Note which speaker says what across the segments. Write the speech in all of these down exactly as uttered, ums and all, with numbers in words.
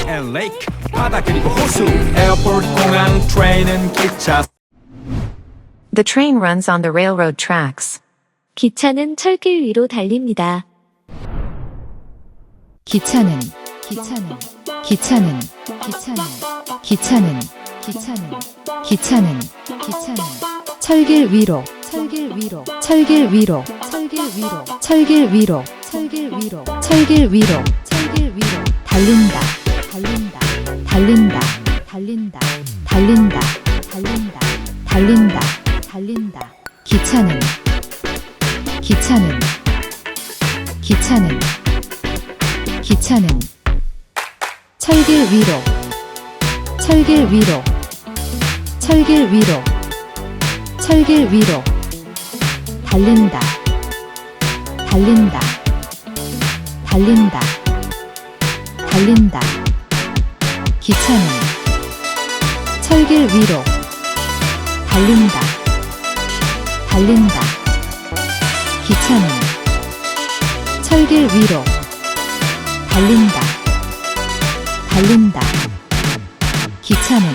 Speaker 1: and lake 바다 그리고 호수 에어포트 공항 트레인은 기차
Speaker 2: The train runs on the railroad tracks.
Speaker 3: 기차는 철길 위로 달립니다.
Speaker 4: 기차는 기차는 기차는 기차는 기차는 기차는 기차는 기차는 철길 위로 철길 위로 철길 위로 철길 위로 철길 위로 철길 위로 철길 위로 철길 위로 달린다 달린다 달린다 달린다 달린다 달린다 달린다 달린다 기차는 기차는 기차는 기차는 철길 위로 철길 위로 철길 위로 철길 위로 달린다 달린다 달린다 달린다 기차는 철길 위로 달린다 달린다 기차는 철길 위로 달린다 달린다 기차는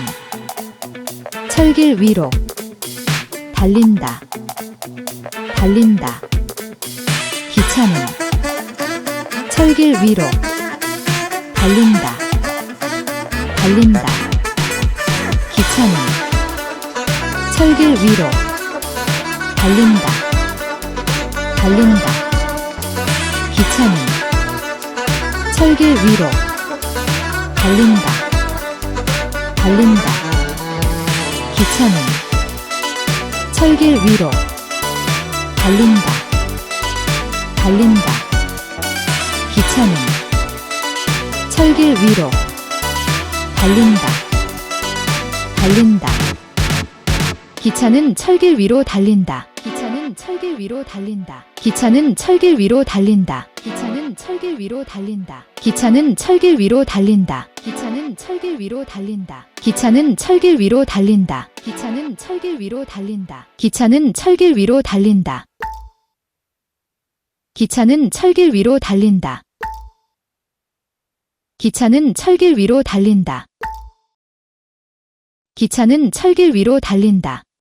Speaker 4: 철길 위로 달린다 달린다 기차는 철길 위로 달린다 달린다 기차는 철길 위로 달린다 달린다 기차는 철길 위로 달린다 달린다 기차는 철길 위로 달린다 달린다 기차는 철길 위로 달린다 달린다 기차는 철길 위로 달린다 기차는 철길 위로 달린다 기차는 철길 위로 달린다 기차는 철길 위로 달린다 기차는 철길 위로 달린다 기차는 철길 위로 달린다 기차는 철길 위로 달린다 기차는 철길 위로 달린다 기차는 철길 위로 달린다 기차는 철길 위로 달린다 기차는 철길 위로 달린다 기차는 철길 위로 달린다